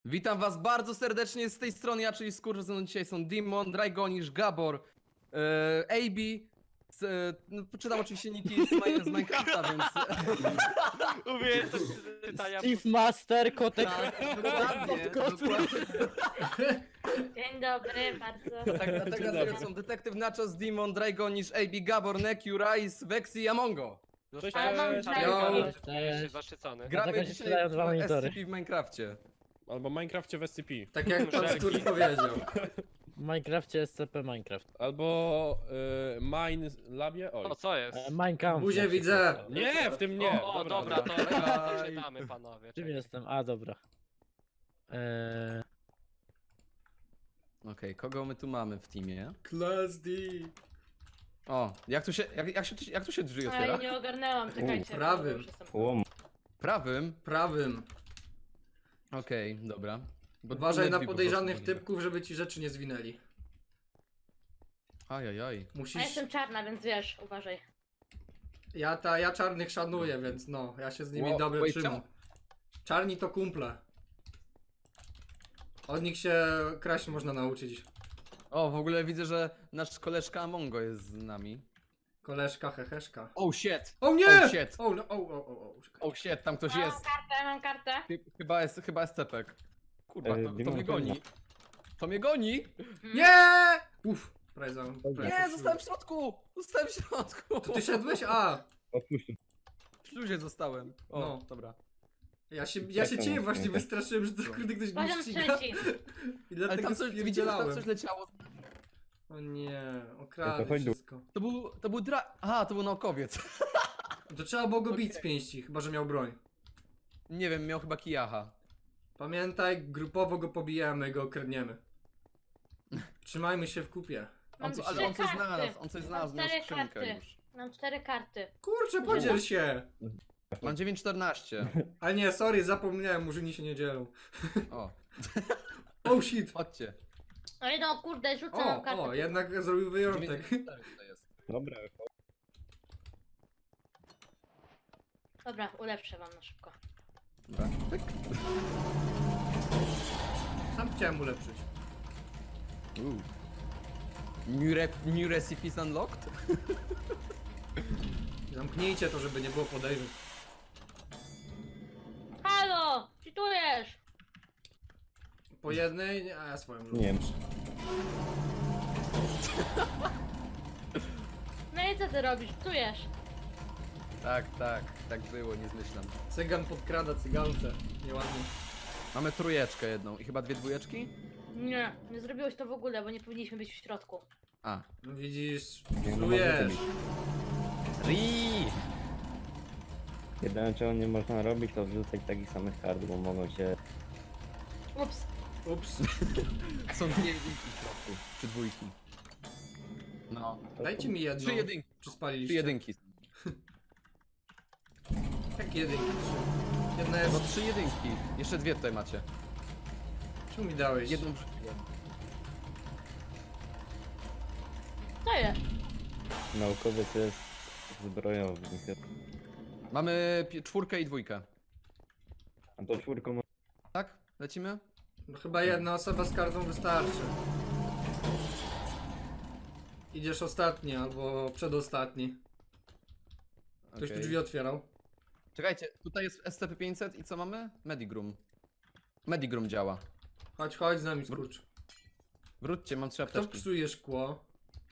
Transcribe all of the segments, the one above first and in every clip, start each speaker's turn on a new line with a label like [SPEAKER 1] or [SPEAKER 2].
[SPEAKER 1] Witam was bardzo serdecznie z tej strony, ja czyli Skurcz, ze mną dzisiaj są Dimon, Dragonisz, Gabor, AB, no, czytam oczywiście niki z Minecrafta, więc...
[SPEAKER 2] Umiejętność czytania.
[SPEAKER 3] Steve Master, kotek.
[SPEAKER 1] Tak, dokładnie, dokładnie.
[SPEAKER 4] Dzień dobry, bardzo.
[SPEAKER 1] Tak, dlatego są Detektyw Nachos, Dimon, Dragonisz, AB, Gabor, Nekiu, Rise, Vexy i Amongo.
[SPEAKER 2] Cześć,
[SPEAKER 4] Ale mam
[SPEAKER 2] cześć,
[SPEAKER 4] czarny.
[SPEAKER 3] Cześć.
[SPEAKER 2] zaszczycony.
[SPEAKER 1] Gramy
[SPEAKER 3] Dlatego się
[SPEAKER 1] dzisiaj
[SPEAKER 3] strzelają dwa
[SPEAKER 1] w
[SPEAKER 3] monitory.
[SPEAKER 1] SCP w Minecrafcie.
[SPEAKER 5] Albo Minecrafcie w SCP.
[SPEAKER 6] Tak jak pan
[SPEAKER 2] Szeregi.
[SPEAKER 6] Skurcz powiedział.
[SPEAKER 3] W Minecrafcie SCP Minecraft.
[SPEAKER 5] Albo Mine Labie. Oj.
[SPEAKER 2] O, co jest?
[SPEAKER 3] Minecraft.
[SPEAKER 6] Buzię widzę.
[SPEAKER 5] Nie, w tym nie.
[SPEAKER 2] O, dobra, to czytamy panowie.
[SPEAKER 3] Czym
[SPEAKER 2] czekaj.
[SPEAKER 3] jestem? A, dobra.
[SPEAKER 1] Okej, kogo my tu mamy w teamie?
[SPEAKER 6] Class D.
[SPEAKER 1] O, jak tu się drzwi
[SPEAKER 4] Ale
[SPEAKER 1] otwiera?
[SPEAKER 4] nie ogarnęłam, czekajcie.
[SPEAKER 6] prawym.
[SPEAKER 4] muszę sobie-
[SPEAKER 1] Prawym?
[SPEAKER 6] Prawym.
[SPEAKER 1] Okej, dobra. Bo
[SPEAKER 6] Uważaj
[SPEAKER 1] inne
[SPEAKER 6] na
[SPEAKER 1] drzwi po
[SPEAKER 6] podejrzanych
[SPEAKER 1] prostu były.
[SPEAKER 6] typków, żeby ci rzeczy nie zwinęli.
[SPEAKER 1] Ajajaj.
[SPEAKER 4] A
[SPEAKER 6] Musisz...
[SPEAKER 4] jestem czarna, więc wiesz, uważaj.
[SPEAKER 6] Ja czarnych szanuję, więc no, ja się z nimi
[SPEAKER 1] Wow,
[SPEAKER 6] dobrze
[SPEAKER 1] wait,
[SPEAKER 6] trzymam.
[SPEAKER 1] czemu?
[SPEAKER 6] Czarni to kumple. Od nich się kraść można nauczyć.
[SPEAKER 1] O, w ogóle widzę, że nasz koleżka Amongo jest z nami.
[SPEAKER 6] Koleżka, heheszka.
[SPEAKER 1] Oh shit!
[SPEAKER 6] O nie!
[SPEAKER 1] Oh shit!
[SPEAKER 6] O, no, o. Czekaj.
[SPEAKER 1] Oh shit, tam ktoś
[SPEAKER 4] Mam
[SPEAKER 1] jest.
[SPEAKER 4] kartę, mam kartę.
[SPEAKER 1] Chyba jest cepek. Kurwa, to
[SPEAKER 5] Dimon,
[SPEAKER 1] mnie goni. To mnie goni!
[SPEAKER 6] Nie! Uff, prawie za...
[SPEAKER 1] Nie, zostałem w środku! Zostałem w środku!
[SPEAKER 6] To ty szedłeś? A!
[SPEAKER 1] W śluzie zostałem. O,
[SPEAKER 6] No.
[SPEAKER 1] dobra.
[SPEAKER 6] Ja się ciebie właśnie wystraszyłem, że to kurde ktoś mnie
[SPEAKER 4] Poziom
[SPEAKER 6] ściga.
[SPEAKER 4] trzeci.
[SPEAKER 6] I
[SPEAKER 1] Ale
[SPEAKER 6] dlatego
[SPEAKER 1] tam coś, widzicie, że tam coś leciało.
[SPEAKER 6] O nie, okradł wszystko.
[SPEAKER 1] To był Aha, to był naukowiec.
[SPEAKER 6] To trzeba było go bić z pięści, chyba że miał broń.
[SPEAKER 1] Nie wiem, miał chyba kijacha.
[SPEAKER 6] Pamiętaj, grupowo go pobijamy, go okradniemy. Trzymajmy się w kupie.
[SPEAKER 4] Mam
[SPEAKER 1] Ale
[SPEAKER 4] trzy
[SPEAKER 1] on coś
[SPEAKER 4] karty.
[SPEAKER 1] znalazł, on coś znalazł, miał
[SPEAKER 4] Cztery
[SPEAKER 1] skrzynkę
[SPEAKER 4] karty.
[SPEAKER 1] już.
[SPEAKER 4] Mam 4 karty.
[SPEAKER 6] Kurczę, podziel się!
[SPEAKER 1] Mam 9,14.
[SPEAKER 6] Ale nie, sorry, zapomniałem, murzyni się nie dzielą.
[SPEAKER 1] O,
[SPEAKER 6] Oh shit!
[SPEAKER 1] chodźcie.
[SPEAKER 4] Oj no kurde, rzucę mam kartę.
[SPEAKER 6] O, jednak zrobił wyjątek.
[SPEAKER 1] 9,4 tutaj jest.
[SPEAKER 5] Dobra.
[SPEAKER 4] Dobra, ulepszę wam na szybko.
[SPEAKER 1] Dobra. Pyk.
[SPEAKER 6] Sam chciałem ulepszyć.
[SPEAKER 1] New recipes unlocked?
[SPEAKER 6] Zamknijcie to, żeby nie było podejrzeń.
[SPEAKER 4] Halo! Czytujesz?
[SPEAKER 6] Po jednej, a ja swoją rzucę.
[SPEAKER 5] Nie.
[SPEAKER 4] No i co ty robisz? Czytujesz?
[SPEAKER 1] Tak było, nie zmyślam.
[SPEAKER 6] Cygan podkrada cygance. Nieładnie.
[SPEAKER 1] Mamy trójeczkę jedną i chyba dwie dwójeczki?
[SPEAKER 4] Nie zrobiłeś to w ogóle, bo nie powinniśmy być w środku.
[SPEAKER 1] A.
[SPEAKER 6] No widzisz,
[SPEAKER 5] Nie, no
[SPEAKER 6] psujesz.
[SPEAKER 5] może
[SPEAKER 1] Ri!
[SPEAKER 7] Jedyne czego nie można robić to wrzucać takich samych kart, bo mogą się...
[SPEAKER 4] Ups.
[SPEAKER 6] Ups.
[SPEAKER 1] Są dwie jedynki w środku. Czy dwójki. No.
[SPEAKER 6] Dajcie mi jedną.
[SPEAKER 1] Trzy jedynki.
[SPEAKER 6] Czy
[SPEAKER 1] Trzy
[SPEAKER 6] spaliliście?
[SPEAKER 1] jedynki.
[SPEAKER 6] Jak jedynki? Trzy. Jedna
[SPEAKER 1] No
[SPEAKER 6] jest...
[SPEAKER 1] trzy jedynki. Jeszcze dwie tutaj macie.
[SPEAKER 6] Czemu mi dałeś?
[SPEAKER 1] Jedną wrzuciłem.
[SPEAKER 4] Co jest?
[SPEAKER 7] Naukowiec jest zbrojownik.
[SPEAKER 1] Mamy czwórkę i dwójkę.
[SPEAKER 7] A to czwórką
[SPEAKER 1] Tak? Lecimy?
[SPEAKER 6] No chyba jedna osoba z kartą wystarczy. Idziesz ostatni albo przedostatni. Ktoś tu
[SPEAKER 1] Okej.
[SPEAKER 6] drzwi otwierał.
[SPEAKER 1] Czekajcie, tutaj jest SCP-500 i co mamy? Medigrum. Medigrum działa.
[SPEAKER 6] Chodź z nami, skurcz.
[SPEAKER 1] Wróćcie, mam trzy
[SPEAKER 6] Kto
[SPEAKER 1] apteczki.
[SPEAKER 6] psuje szkło?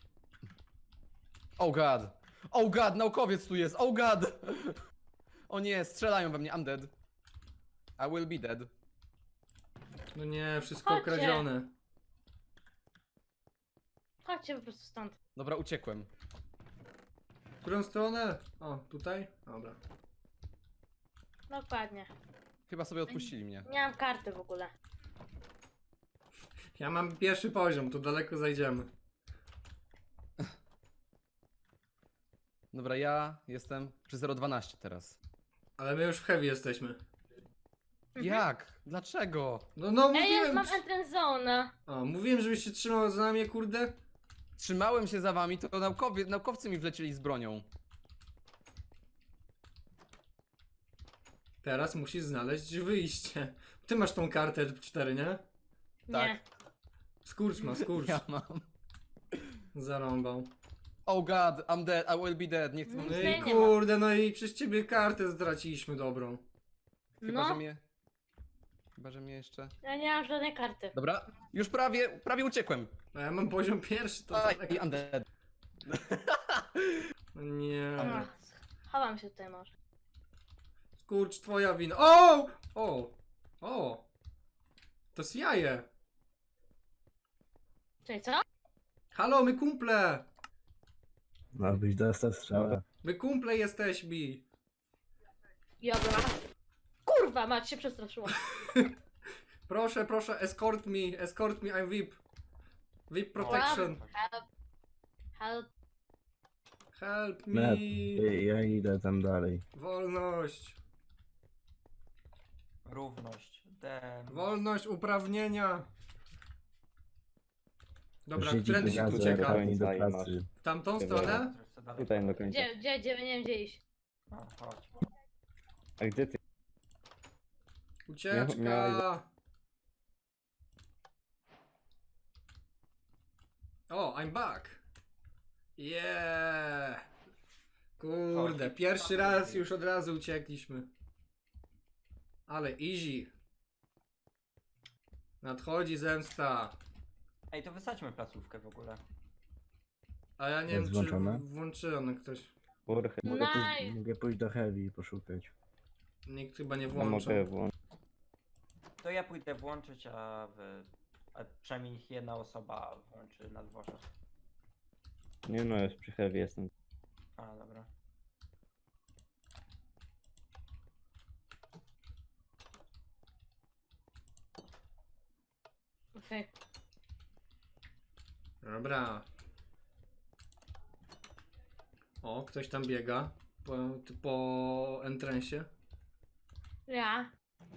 [SPEAKER 1] Oh god! Oh god, naukowiec tu jest! Oh god! O nie, strzelają we mnie, I'm dead. I will be dead.
[SPEAKER 6] No nie, wszystko
[SPEAKER 4] Chodźcie.
[SPEAKER 6] okradzione.
[SPEAKER 4] Chodźcie po prostu stąd.
[SPEAKER 1] Dobra, uciekłem.
[SPEAKER 6] W którą stronę? O, tutaj? Dobra.
[SPEAKER 4] Dokładnie.
[SPEAKER 1] Chyba sobie odpuścili mnie.
[SPEAKER 4] Nie mam karty w ogóle.
[SPEAKER 6] Ja mam pierwszy poziom, tu daleko zajdziemy.
[SPEAKER 1] Dobra, ja jestem przy 012 teraz.
[SPEAKER 6] Ale my już w heavy jesteśmy.
[SPEAKER 1] Jak? Dlaczego?
[SPEAKER 6] No
[SPEAKER 4] Ej, ja
[SPEAKER 6] mówiłem!
[SPEAKER 4] mam entrance zone.
[SPEAKER 6] O, mówiłem, żebyś się trzymał za nami, kurde.
[SPEAKER 1] Trzymałem się za wami, to naukowcy mi wlecieli z bronią.
[SPEAKER 6] Teraz musisz znaleźć wyjście. Ty masz tą kartę 4, nie?
[SPEAKER 1] Tak.
[SPEAKER 4] Nie.
[SPEAKER 6] Skurcz ma, skurcz.
[SPEAKER 1] Ja mam.
[SPEAKER 6] Zarąbał.
[SPEAKER 1] Oh god, I'm dead, I will be dead. Nie chcę
[SPEAKER 4] No
[SPEAKER 1] wam...
[SPEAKER 6] No
[SPEAKER 4] Nic nie
[SPEAKER 6] i
[SPEAKER 4] ma.
[SPEAKER 6] kurde, no i przez ciebie kartę straciliśmy dobrą.
[SPEAKER 1] Chyba, że
[SPEAKER 4] No,
[SPEAKER 1] mnie... Chyba, że mnie jeszcze...
[SPEAKER 4] ja nie mam żadnej karty.
[SPEAKER 1] Dobra, już prawie uciekłem.
[SPEAKER 6] A ja mam poziom pierwszy, to
[SPEAKER 1] Aj,
[SPEAKER 6] tak.
[SPEAKER 1] I'm dead.
[SPEAKER 6] No nie.
[SPEAKER 4] Ach, chowam się tutaj może.
[SPEAKER 6] Skurcz, twoja wina. O! O! O! To jest jaje.
[SPEAKER 4] Czyli co?
[SPEAKER 6] Halo, my kumple!
[SPEAKER 8] Ma być dostał strzała.
[SPEAKER 6] My kumple jesteśmy.
[SPEAKER 4] Dobra. Kurwa, mać się przestraszyłam.
[SPEAKER 6] Proszę, proszę, escort me, I'm VIP. VIP protection.
[SPEAKER 4] Help. Help.
[SPEAKER 6] Help me.
[SPEAKER 8] Net, ja idę tam dalej.
[SPEAKER 6] Wolność.
[SPEAKER 9] Równość.
[SPEAKER 6] Wolność, uprawnienia. Dobra,
[SPEAKER 8] Siedzi
[SPEAKER 6] którędy się tu
[SPEAKER 8] gazę,
[SPEAKER 6] ucieka?
[SPEAKER 8] pani do
[SPEAKER 7] Tutaj
[SPEAKER 8] pracy.
[SPEAKER 6] W tamtą
[SPEAKER 7] Dobra.
[SPEAKER 6] stronę?
[SPEAKER 7] Tutaj do końca.
[SPEAKER 4] Gdzie, nie wiem gdzie iść.
[SPEAKER 9] Chodź.
[SPEAKER 7] A gdzie ty?
[SPEAKER 6] Ucieczka.
[SPEAKER 7] Miałeś- O,
[SPEAKER 6] I'm back. Yeah. Kurde, pierwszy raz już od razu uciekliśmy. Ale easy. Nadchodzi zemsta.
[SPEAKER 9] Ej, to wysadźmy placówkę w ogóle.
[SPEAKER 6] A ja nie
[SPEAKER 8] Jest
[SPEAKER 6] wiem,
[SPEAKER 8] włączone?
[SPEAKER 6] czy włączyłem ktoś.
[SPEAKER 7] Urchy.
[SPEAKER 4] Nice.
[SPEAKER 8] Mogę pójść do Heavy i poszukać.
[SPEAKER 6] Nikt chyba nie
[SPEAKER 7] No
[SPEAKER 6] włączył.
[SPEAKER 7] mogę włączyć.
[SPEAKER 9] To ja pójdę włączyć, a przynajmniej jedna osoba włączy na dworze.
[SPEAKER 7] Nie no, już przy heavy jestem.
[SPEAKER 9] A, dobra.
[SPEAKER 4] Okej.
[SPEAKER 6] Dobra. O, ktoś tam biega. Po entrensie.
[SPEAKER 4] Ja.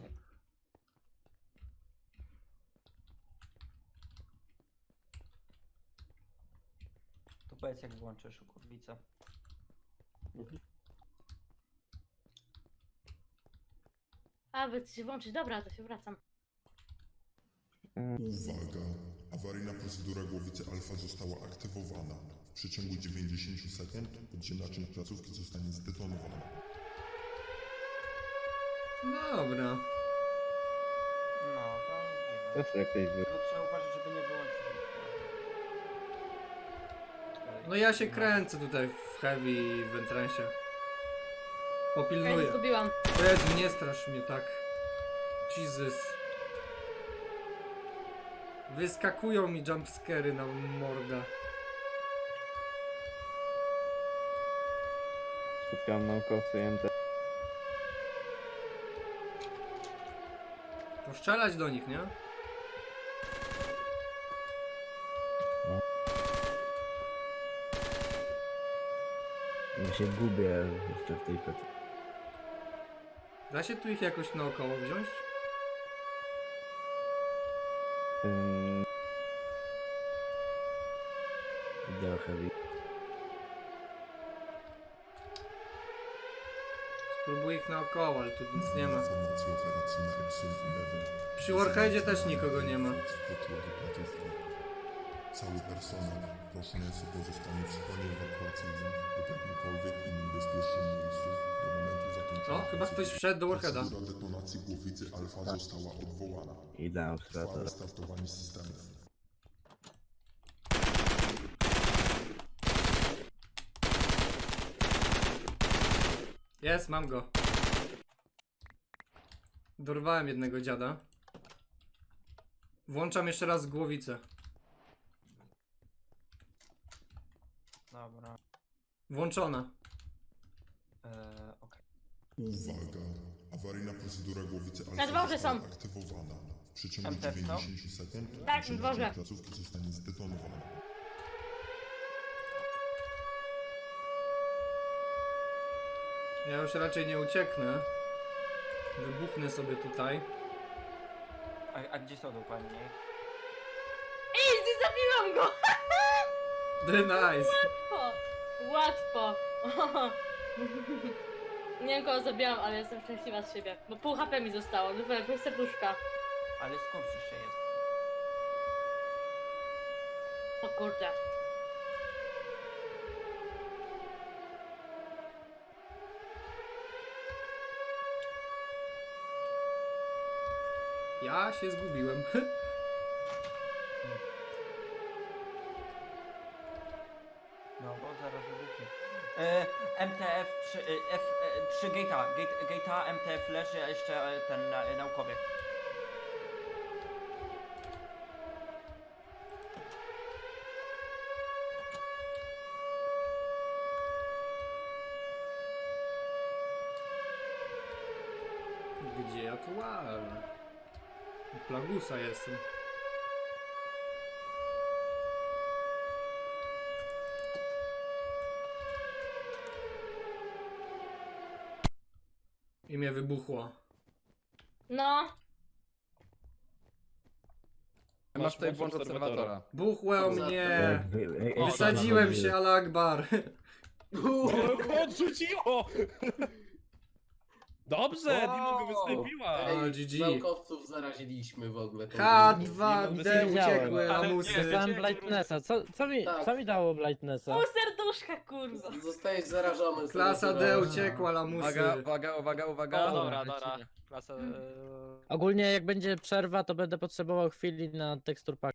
[SPEAKER 9] To powiedz jak włączysz kurwicę.
[SPEAKER 4] A, by się włączyć. Dobra, to się wracam.
[SPEAKER 10] Uwaga! Awaryjna procedura głowicy alfa została aktywowana. W przeciągu 90 sekund podziemna część placówki zostanie zdetonowana.
[SPEAKER 6] Dobra.
[SPEAKER 9] No, to nie
[SPEAKER 7] To jest jakoś wy...
[SPEAKER 9] Tylko trzeba uważać, żeby nie wyłączyć.
[SPEAKER 6] No ja się kręcę tutaj w heavy i w entrensie.
[SPEAKER 4] Ja nie
[SPEAKER 6] Popilnuję.
[SPEAKER 4] zgubiłam.
[SPEAKER 6] Jezu, nie strasz mnie tak. Jesus. Wyskakują mi jumpscary na mordę.
[SPEAKER 7] Spotkałem naukowców IMT.
[SPEAKER 6] Poszczelać do nich, nie?
[SPEAKER 8] Ja się gubię jeszcze w tej pracy.
[SPEAKER 6] Da się tu ich jakoś naokoło wziąć?
[SPEAKER 8] Idę do Heavy.
[SPEAKER 6] Spróbuję ich naokoło, ale tu nic nie ma.
[SPEAKER 10] Informacje operacyjne Epsilon 11.
[SPEAKER 6] Przy Warheadzie też nikogo nie ma.
[SPEAKER 10] Wkroczyła do placówki. Cały personel proszony jest o pozostanie w schronie ewakuacyjnym lub jakimkolwiek innym bezpiecznym miejscu do momentu zakończenia.
[SPEAKER 6] O, chyba ktoś wszedł do Warheada.
[SPEAKER 10] Procedura detonacji głowicy alfa została odwołana.
[SPEAKER 8] Idę na obserwatora.
[SPEAKER 10] Trwa restartowanie systemów.
[SPEAKER 6] Jest, mam go. Dorwałem jednego dziada. Włączam jeszcze raz głowicę.
[SPEAKER 9] Dobra.
[SPEAKER 6] Włączona.
[SPEAKER 9] Okej.
[SPEAKER 10] Uwaga! Awaryjna procedura głowicy alfa
[SPEAKER 4] Na dworze
[SPEAKER 10] została
[SPEAKER 4] są.
[SPEAKER 10] aktywowana. W przeciągu
[SPEAKER 9] MTF są?
[SPEAKER 10] 90 sekund
[SPEAKER 4] Tak,
[SPEAKER 10] podziemna
[SPEAKER 4] dworze.
[SPEAKER 10] część placówki zostanie zdetonowana.
[SPEAKER 6] Ja już raczej nie ucieknę. Wybuchnę sobie tutaj.
[SPEAKER 9] A gdzie są dokładnie?
[SPEAKER 4] Easy, zabiłam go!
[SPEAKER 6] The nice.
[SPEAKER 4] Łatwo. Łatwo. Nie wiem kogo zabijam, ale jestem szczęśliwa z siebie. Bo pół HP mi zostało, no pół serduszka.
[SPEAKER 9] Ale skąd jeszcze jest?
[SPEAKER 4] O kurde.
[SPEAKER 6] Ja się zgubiłem.
[SPEAKER 9] No bo zaraz wybuchnie. MTF 3, F3 gate'a, MTF leży, a jeszcze ten naukowiec.
[SPEAKER 6] Gdzie ja tu łażę? U Plagusa jestem. I mnie wybuchło.
[SPEAKER 4] No,
[SPEAKER 1] Masz tutaj
[SPEAKER 5] włącz
[SPEAKER 1] włącz obserwatora.
[SPEAKER 6] Buchło mnie!
[SPEAKER 8] O,
[SPEAKER 6] Wysadziłem się, Allah Akbar.
[SPEAKER 5] Odrzuciło! Dobrze, Dimo go wystąpiła.
[SPEAKER 6] O, GG.
[SPEAKER 11] Naukowców zaraziliśmy w ogóle. tą
[SPEAKER 6] K2D
[SPEAKER 3] wiedziałem.
[SPEAKER 6] uciekły
[SPEAKER 2] Ale
[SPEAKER 6] lamusy.
[SPEAKER 2] nie,
[SPEAKER 3] Dostałem
[SPEAKER 2] wiecie,
[SPEAKER 3] Blightnessa.
[SPEAKER 11] Tak.
[SPEAKER 3] Co mi dało Blightnessa?
[SPEAKER 4] pół serduszka, kurwa.
[SPEAKER 11] Zostajesz zarażony.
[SPEAKER 6] Klasa D
[SPEAKER 11] zarażony.
[SPEAKER 6] uciekła lamusy.
[SPEAKER 1] Uwaga.
[SPEAKER 2] O, dobra.
[SPEAKER 3] lecimy.
[SPEAKER 2] Klasa...
[SPEAKER 3] Ogólnie jak będzie przerwa, to będę potrzebował chwili na tekstur pack.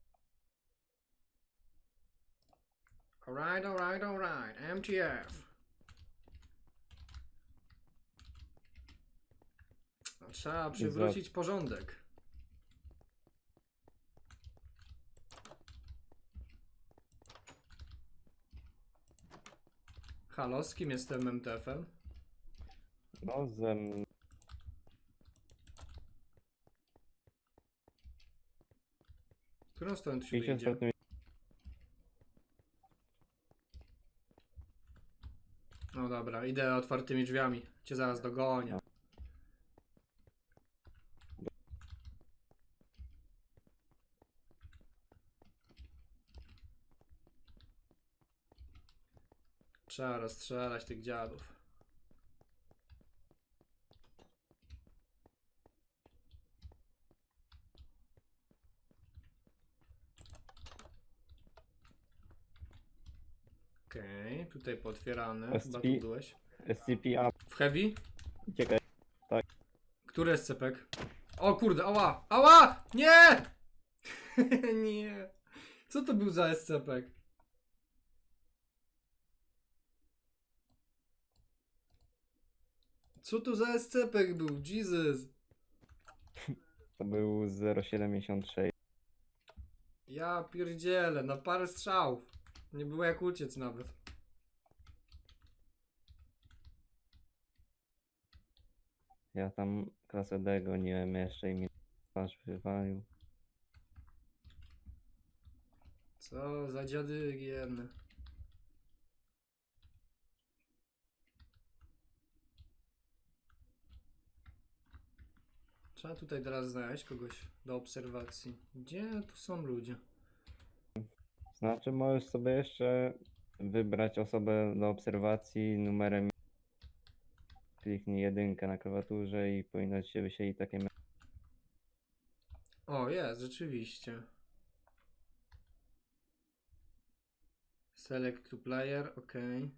[SPEAKER 6] Alright. MTF. Trzeba przywrócić porządek. Halo, z kim jestem MTF-em?
[SPEAKER 7] No,
[SPEAKER 6] W którą stronę tu się
[SPEAKER 7] 50
[SPEAKER 6] wyjdzie?
[SPEAKER 7] stopni.
[SPEAKER 6] No dobra, idę otwartymi drzwiami. Cię zaraz dogonię. Trzeba rozstrzelać tych dziadów. Okej, tutaj pootwierane. Chyba tu byłeś.
[SPEAKER 7] SCP up.
[SPEAKER 6] W heavy?
[SPEAKER 7] Uciekaj.
[SPEAKER 6] Który jest cepek? O kurde, ała! Ała! Nie! Nie. Co to był za SCP? Co to za SCP był? Jesus!
[SPEAKER 7] To był 076.
[SPEAKER 6] Ja pierdzielę, na parę strzałów. Nie było jak uciec nawet.
[SPEAKER 7] Ja tam klasę D goniłem jeszcze i mi twarz wywalił.
[SPEAKER 6] Co za dziady jedne. Trzeba tutaj teraz znaleźć kogoś do obserwacji. Gdzie tu są ludzie?
[SPEAKER 7] Znaczy możesz sobie jeszcze wybrać osobę do obserwacji numerem. Kliknij jedynkę na klawiaturze i powinno ci się wyświetlić takie
[SPEAKER 6] O, jest, rzeczywiście. Select to player, ok.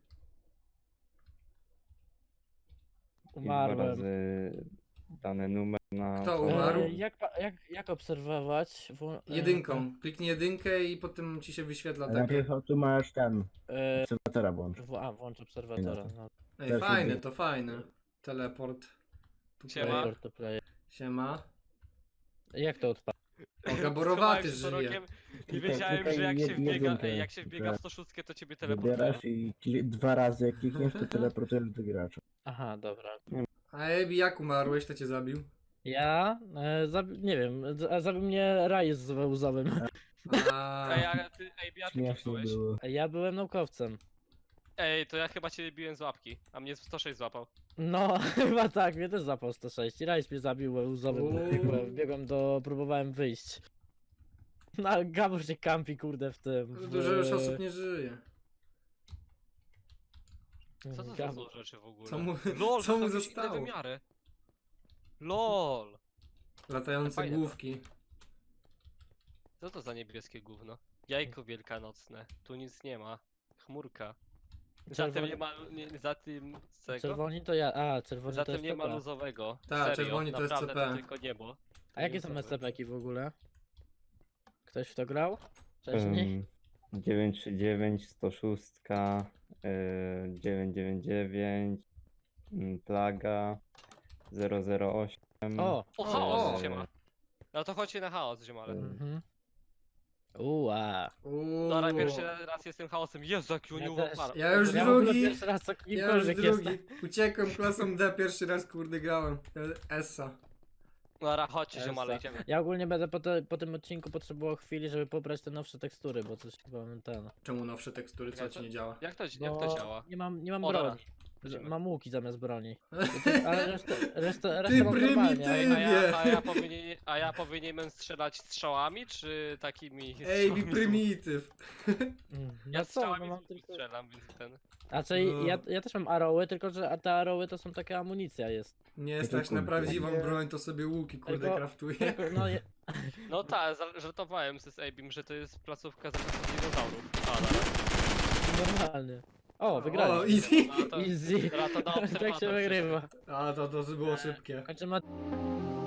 [SPEAKER 7] dwa
[SPEAKER 3] Umarłem.
[SPEAKER 7] razy dany numer na
[SPEAKER 6] Kto
[SPEAKER 7] osobę.
[SPEAKER 6] umarł?
[SPEAKER 3] Jak obserwować?
[SPEAKER 6] Jedynką. Kliknij jedynkę i potem ci się wyświetla takie.
[SPEAKER 8] Najpierw tu masz ten.
[SPEAKER 3] E,
[SPEAKER 8] Obserwatora włącz.
[SPEAKER 3] włącz obserwatora. No.
[SPEAKER 6] Ej,
[SPEAKER 8] Też
[SPEAKER 6] fajne,
[SPEAKER 8] jedynka.
[SPEAKER 6] to fajne. Teleport. Tu
[SPEAKER 2] Siema.
[SPEAKER 6] player.
[SPEAKER 3] Player to player.
[SPEAKER 6] Siema.
[SPEAKER 3] Jak to odpala?
[SPEAKER 6] O, gaborowaty
[SPEAKER 2] Schowałem się
[SPEAKER 6] żyje.
[SPEAKER 2] za rogiem I
[SPEAKER 8] Klikaj-
[SPEAKER 2] wiedziałem,
[SPEAKER 8] klikaj
[SPEAKER 2] że jak się wbiega,
[SPEAKER 8] jedynkę,
[SPEAKER 2] jak się wbiega w
[SPEAKER 8] że
[SPEAKER 2] 106, to ciebie teleportuje.
[SPEAKER 8] Wybierasz i dwa razy jak klikniesz, to teleportujesz do gracza.
[SPEAKER 3] Aha, dobra.
[SPEAKER 6] A Ebi, jak umarłeś, to cię zabił?
[SPEAKER 3] Ja? Nie wiem, zabił mnie Raj z łzowym.
[SPEAKER 6] A,
[SPEAKER 2] Ej, a ty kim
[SPEAKER 8] Śmiesznie
[SPEAKER 2] byłeś?
[SPEAKER 8] było.
[SPEAKER 3] Ja byłem naukowcem.
[SPEAKER 2] Ej, to ja chyba cię biłem z łapki, a mnie 106 złapał.
[SPEAKER 3] No, chyba tak, mnie też zapał 106. Rajs mnie zabił łzowym.
[SPEAKER 6] Uuu.
[SPEAKER 3] Wbiegłem próbowałem wyjść. No, Gabor się kampi, kurde, w tym.
[SPEAKER 6] dużo już osób nie żyje.
[SPEAKER 2] Co to za
[SPEAKER 3] Gabor.
[SPEAKER 2] złe rzeczy w ogóle?
[SPEAKER 6] Co mu,
[SPEAKER 2] LOL,
[SPEAKER 6] co mu
[SPEAKER 2] to jakieś inne
[SPEAKER 6] zostało?
[SPEAKER 2] wymiary. LOL.
[SPEAKER 6] Latające
[SPEAKER 2] Fajne to.
[SPEAKER 6] główki.
[SPEAKER 2] Co to za niebieskie gówno? Jajko wielkanocne. Tu nic nie ma. Chmurka. Za tym nie ma... Nie, za tym... z tego?
[SPEAKER 3] Czerwoni to ja. A, czerwoni
[SPEAKER 2] Za
[SPEAKER 3] to
[SPEAKER 2] tym
[SPEAKER 3] jest
[SPEAKER 2] nie ma
[SPEAKER 3] CP.
[SPEAKER 2] luzowego.
[SPEAKER 6] Tak,
[SPEAKER 2] Serio,
[SPEAKER 6] czerwoni to jest
[SPEAKER 2] naprawdę
[SPEAKER 6] CP.
[SPEAKER 2] to tylko niebo.
[SPEAKER 3] A jakie są SCP-ki w ogóle? Ktoś w to grał? Wcześniej?
[SPEAKER 7] 939, 106, 999, Plaga, 008.
[SPEAKER 3] O!
[SPEAKER 2] O,
[SPEAKER 6] O!
[SPEAKER 2] chaos się ma. No to chodźcie na chaos, ziomale.
[SPEAKER 3] Mhm. Ua.
[SPEAKER 2] Dobra, pierwszy raz jestem chaosem. Jezu, jaki oni
[SPEAKER 3] Ja też.
[SPEAKER 6] Ja już
[SPEAKER 3] Ja w ogóle
[SPEAKER 6] drugi.
[SPEAKER 3] pierwszy raz co
[SPEAKER 6] Ja już
[SPEAKER 3] kimkolwiek jestem.
[SPEAKER 6] drugi. Uciekłem klasą D, pierwszy raz kurde grałem. Essa.
[SPEAKER 2] Dobra, chodźcie, ziomale,
[SPEAKER 3] Essa.
[SPEAKER 2] idziemy.
[SPEAKER 3] Ja ogólnie będę po tym odcinku potrzebował chwili, żeby pobrać te nowsze tekstury, bo coś chyba mam ten.
[SPEAKER 6] Czemu nowsze tekstury, co ci nie działa?
[SPEAKER 2] Jak to
[SPEAKER 3] Bo
[SPEAKER 2] działa?
[SPEAKER 3] nie mam
[SPEAKER 2] O, dobra.
[SPEAKER 3] broni.
[SPEAKER 2] Idziemy.
[SPEAKER 3] Mam łuki zamiast broni. Ale resztę
[SPEAKER 6] Ty
[SPEAKER 3] mam normalnie.
[SPEAKER 6] prymityw!
[SPEAKER 2] A ja powinienem strzelać strzałami, czy takimi
[SPEAKER 6] Ej,
[SPEAKER 2] strzałami z łuku?
[SPEAKER 6] prymityw.
[SPEAKER 2] Ja
[SPEAKER 3] No co,
[SPEAKER 2] strzałami
[SPEAKER 3] no
[SPEAKER 2] z
[SPEAKER 3] mam
[SPEAKER 2] łuku
[SPEAKER 3] tylko...
[SPEAKER 2] strzelam, więc ten...
[SPEAKER 3] Znaczy,
[SPEAKER 6] No.
[SPEAKER 3] ja też mam arrowy, tylko że te arrowy to są taka amunicja jest.
[SPEAKER 6] Nie stać na
[SPEAKER 7] kurde.
[SPEAKER 6] prawdziwą
[SPEAKER 3] Nie.
[SPEAKER 6] broń, to sobie łuki kurde
[SPEAKER 3] Tylko-
[SPEAKER 6] kraftuję.
[SPEAKER 3] Tylko, no,
[SPEAKER 2] No tak, żartowałem z Abim, że to jest placówka z dinozaurów. A, dobra.
[SPEAKER 3] normalnie. O,
[SPEAKER 6] O,
[SPEAKER 3] wygraliśmy.
[SPEAKER 6] easy.
[SPEAKER 2] No to,
[SPEAKER 3] Easy.
[SPEAKER 2] dobra, to na
[SPEAKER 3] Tak się
[SPEAKER 2] obserwator
[SPEAKER 3] wygrywa.
[SPEAKER 6] A, to było szybkie.
[SPEAKER 3] Kończymy